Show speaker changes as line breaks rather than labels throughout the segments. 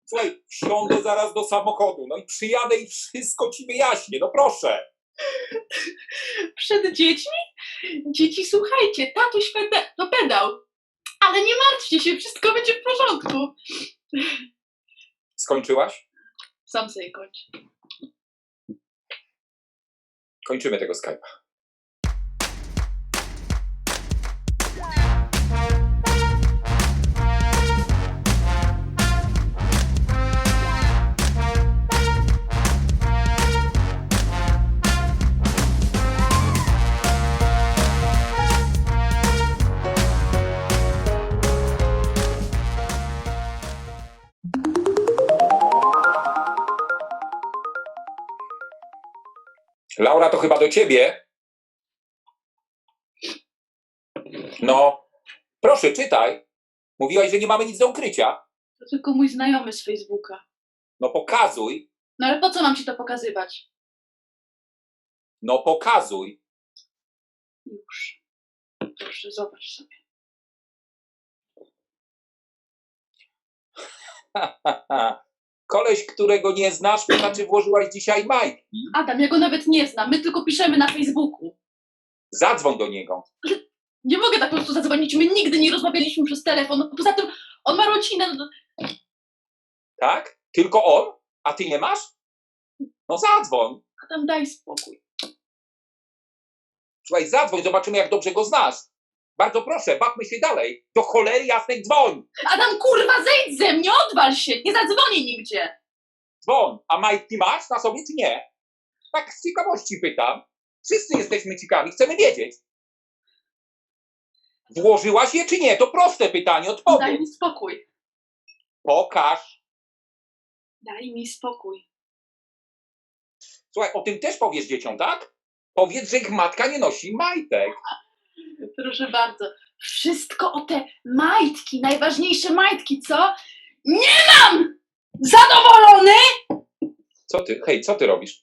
Słuchaj, wsiądę zaraz do samochodu, no i przyjadę i wszystko ci wyjaśnię, no proszę.
Przed dziećmi? Dzieci, słuchajcie, tatuś to pedał. Ale nie martwcie się, wszystko będzie w porządku.
Skończyłaś?
Sam sobie kończ.
Kończymy tego Skype'a. Laura, to chyba do ciebie. No, proszę, czytaj. Mówiłaś, że nie mamy nic do ukrycia.
To tylko mój znajomy z Facebooka.
No pokazuj.
No ale po co mam ci to pokazywać?
No pokazuj.
Już. Proszę, zobacz sobie.
Koleś, którego nie znasz, to znaczy włożyłaś dzisiaj majtki.
Adam, ja go nawet nie znam, my tylko piszemy na Facebooku.
Zadzwoń do niego.
Nie mogę tak po prostu zadzwonić, my nigdy nie rozmawialiśmy przez telefon. Poza tym on ma rodzinę.
Tak? Tylko on? A ty nie masz? No zadzwoń.
Adam, daj spokój.
Słuchaj, zadzwoń, zobaczymy, jak dobrze go znasz. Bardzo proszę, bawmy się dalej. Do cholery jasnej dzwoń.
Adam, kurwa, zejdź ze mnie, odwal się, nie zadzwonię nigdzie.
Dzwoń. A majtki masz na sobie, czy nie? Tak z ciekawości pytam. Wszyscy jesteśmy ciekawi, chcemy wiedzieć. Włożyłaś je, czy nie? To proste pytanie,
Daj
odpowiedz.
mi spokój.
Pokaż.
Daj mi spokój.
Słuchaj, o tym też powiesz dzieciom, tak? Powiedz, że ich matka nie nosi majtek.
Proszę bardzo. Wszystko o te majtki, najważniejsze majtki, co? Nie mam! Zadowolony?
Co ty? Hej, co ty robisz?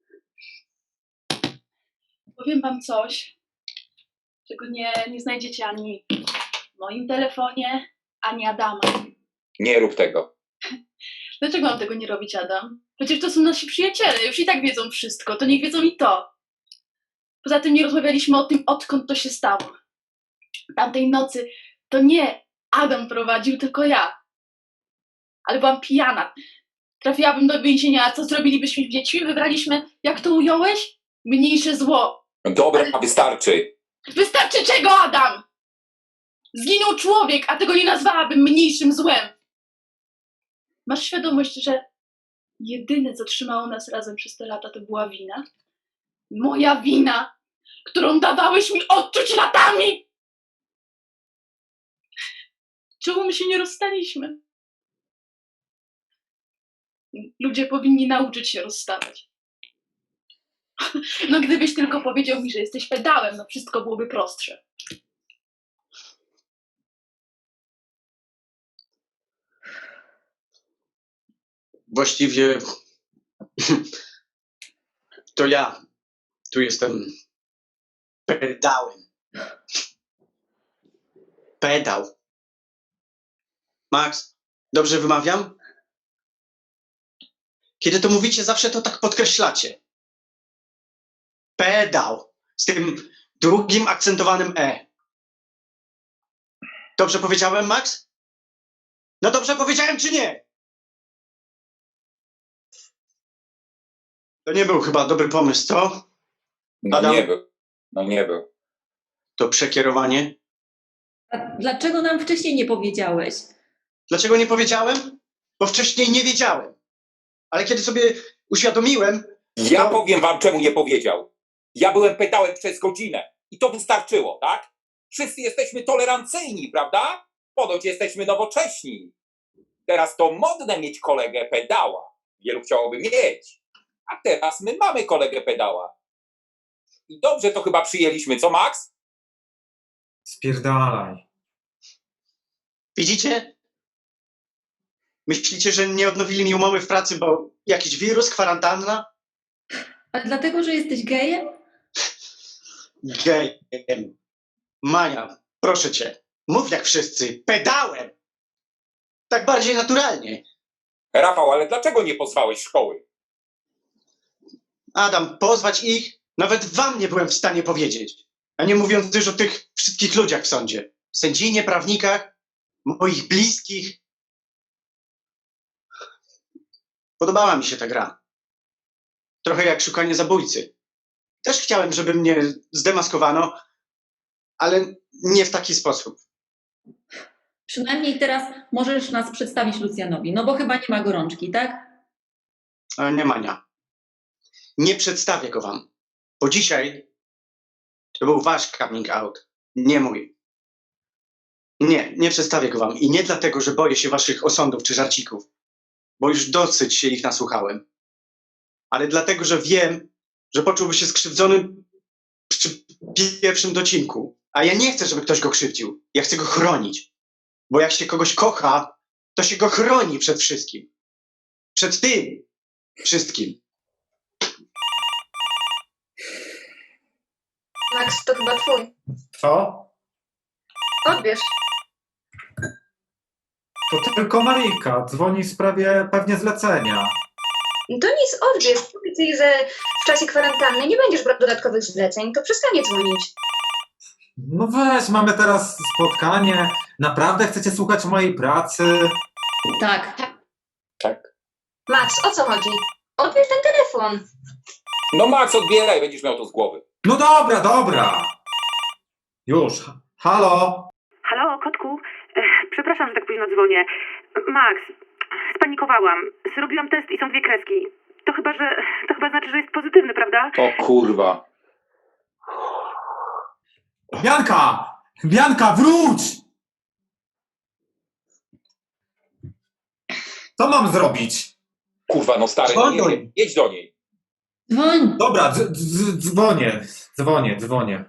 Powiem wam coś, czego nie znajdziecie ani w moim telefonie, ani Adama.
Nie rób tego.
Dlaczego mam tego nie robić, Adam? Przecież to są nasi przyjaciele, już i tak wiedzą wszystko, to niech wiedzą i to. Poza tym nie rozmawialiśmy o tym, odkąd to się stało. Tamtej nocy to nie Adam prowadził, tylko ja. Ale byłam pijana. Trafiłabym do więzienia, a co zrobilibyśmy z dziećmi? Wybraliśmy, jak to ująłeś? Mniejsze zło.
Dobra, wystarczy.
Wystarczy czego, Adam? Zginął człowiek, a tego nie nazwałabym mniejszym złem. Masz świadomość, że jedyne, co trzymało nas razem przez te lata, to była wina? Moja wina, którą dawałeś mi odczuć latami! Czemu my się nie rozstaliśmy? Ludzie powinni nauczyć się rozstawać. No gdybyś tylko powiedział mi, że jesteś pedałem, no wszystko byłoby prostsze.
Właściwie to ja tu jestem pedałem. Pedał. Max, dobrze wymawiam? Kiedy to mówicie, zawsze to tak podkreślacie. Pedał. Z tym drugim akcentowanym E. Dobrze powiedziałem, Max? No dobrze powiedziałem, czy nie? To nie był chyba dobry pomysł, co?
No
Adam?
nie był. No nie był.
To przekierowanie.
A dlaczego nam wcześniej nie powiedziałeś?
Dlaczego nie powiedziałem? Bo wcześniej nie wiedziałem. Ale kiedy sobie uświadomiłem,
Ja
to...
powiem wam, czemu nie powiedział. Ja byłem pedałem przez godzinę i to wystarczyło, tak? Wszyscy jesteśmy tolerancyjni, prawda? Ponoć jesteśmy nowocześni. Teraz to modne mieć kolegę pedała. Wielu chciałoby mieć. A teraz my mamy kolegę pedała. I dobrze to chyba przyjęliśmy, co Max?
Spierdalaj.
Widzicie? Myślicie, że nie odnowili mi umowy w pracy, bo jakiś wirus, kwarantanna?
A dlatego, że jesteś gejem?
Gejem. Mania, proszę cię, mów jak wszyscy, pedałem! Tak bardziej naturalnie.
Rafał, ale dlaczego nie pozwałeś szkoły?
Adam, pozwać ich? Nawet wam nie byłem w stanie powiedzieć. A nie mówiąc już o tych wszystkich ludziach w sądzie. Sędzinie, prawnikach, moich bliskich. Podobała mi się ta gra. Trochę jak szukanie zabójcy. Też chciałem, żeby mnie zdemaskowano, ale nie w taki sposób.
Przynajmniej teraz możesz nas przedstawić Lucjanowi, no bo chyba nie ma gorączki, tak?
Ale nie, Mania. Nie przedstawię go wam. Bo dzisiaj to był wasz coming out, nie mój. Nie przedstawię go wam. I nie dlatego, że boję się waszych osądów czy żarcików, bo już dosyć się ich nasłuchałem. Ale dlatego, że wiem, że poczułby się skrzywdzony przy pierwszym docinku. A ja nie chcę, żeby ktoś go krzywdził. Ja chcę go chronić. Bo jak się kogoś kocha, to się go chroni przed wszystkim. Przed tym wszystkim.
Max, to chyba twój.
Co?
Odbierz.
To tylko Marika. Dzwoni w sprawie pewnie zlecenia.
To nic, odbierz. Powiedz jej, że w czasie kwarantanny nie będziesz brał dodatkowych zleceń, to przestanie dzwonić.
No weź, mamy teraz spotkanie. Naprawdę chcecie słuchać mojej pracy?
Tak.
Tak.
Max, o co chodzi? Odbierz ten telefon.
No Max, odbieraj, będziesz miał to z głowy.
No dobra, dobra. Już. Halo?
Halo, kotku? Przepraszam, że tak późno dzwonię. Max, spanikowałam. Zrobiłam test i są 2 kreski. To chyba znaczy, że jest pozytywny, prawda?
O kurwa.
Bianka! Bianka, wróć! Co mam zrobić?
Kurwa, no stary, no nie
Dzwoń.
wiem. Jedź do niej.
Dzwoń.
Dobra, dzwonię.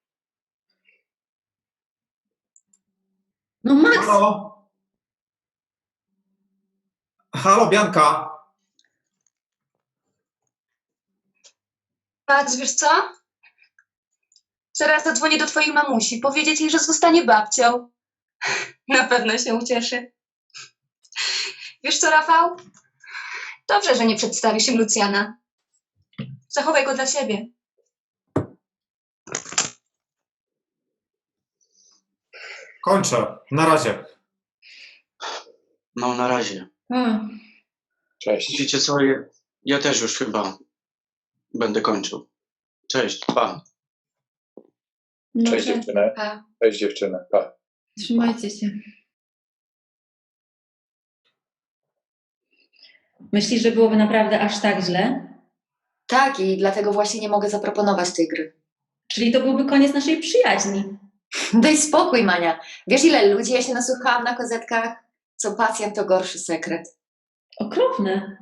No Max,
Halo? Halo, Bianka?
Max, wiesz co? Zaraz zadzwonię do twojej mamusi, powiedzieć jej, że zostanie babcią. Na pewno się ucieszy. Wiesz co, Rafał? Dobrze, że nie przedstawisz im Lucjana. Zachowaj go dla siebie.
Kończę. Na razie.
No, na razie.
Cześć.
Wiecie co, ja też już chyba będę kończył. Cześć, pa.
no,
Cześć dziewczyny.
Pa.
Cześć dziewczyny. Pa.
trzymajcie się. Myślisz, że byłoby naprawdę aż tak źle?
Tak, i dlatego właśnie nie mogę zaproponować tej gry.
Czyli to byłby koniec naszej przyjaźni.
Daj spokój, Mania. Wiesz, ile ludzi ja się nasłuchałam na kozetkach? Co pacjent to gorszy sekret.
Okropne.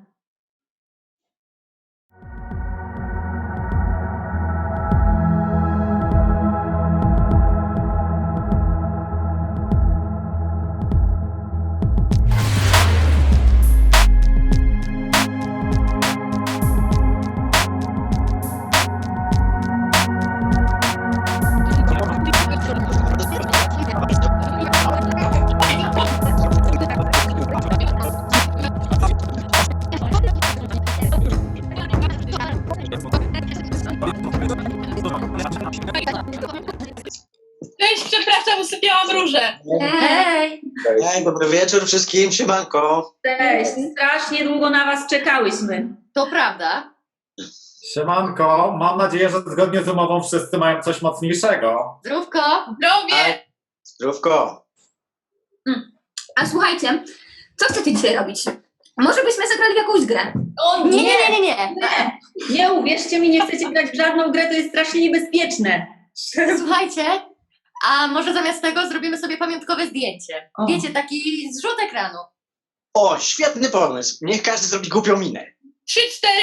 Cześć, przepraszam, usypiałam różę.
Hej!
Hej, dobry wieczór wszystkim, siemanko.
Cześć, strasznie długo na was czekałyśmy.
To prawda?
Siemanko, mam nadzieję, że zgodnie z umową wszyscy mają coś mocniejszego.
Zdrówko!
Zdrowie!
Zdrówko.
A słuchajcie, co chcecie dzisiaj robić? Może byśmy zagrali w jakąś grę?
O
Nie.
Nie, uwierzcie mi, nie chcecie grać w żadną grę, to jest strasznie niebezpieczne.
Słuchajcie, a może zamiast tego zrobimy sobie pamiątkowe zdjęcie.
O.
Wiecie, taki zrzut ekranu.
O, świetny pomysł. Niech każdy zrobi głupią minę.
3, 4.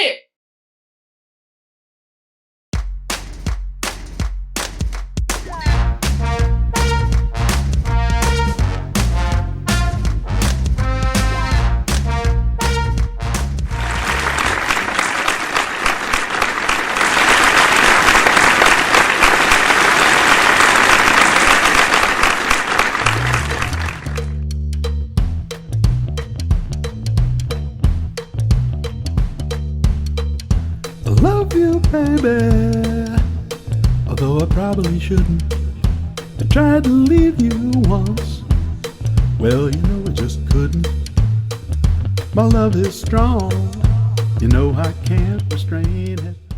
love you, baby. Although I probably shouldn't. I tried to leave you once. Well, you know I just couldn't. My love is strong. You know I can't restrain it.